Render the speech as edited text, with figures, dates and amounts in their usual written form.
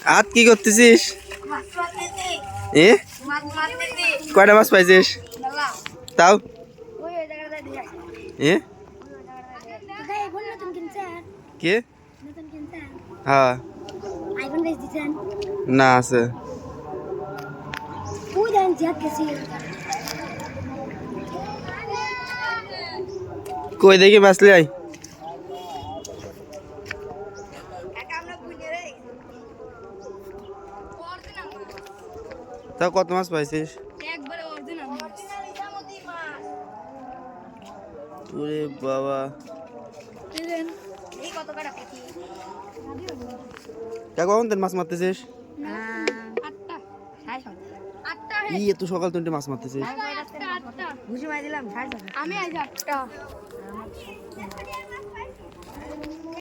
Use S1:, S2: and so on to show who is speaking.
S1: আজ কি করতেছিস? এ কয়টা মাছ পাইছিস? তাও এ কে? হ্যাঁ না আছে কই দেখি মাছ লাই তাও কত মাছ পাইছিস? ওরে বাবা কখন তোর মাছ মারতেছিস? এত সকাল তুই মাছ মারতেছিস?
S2: আমি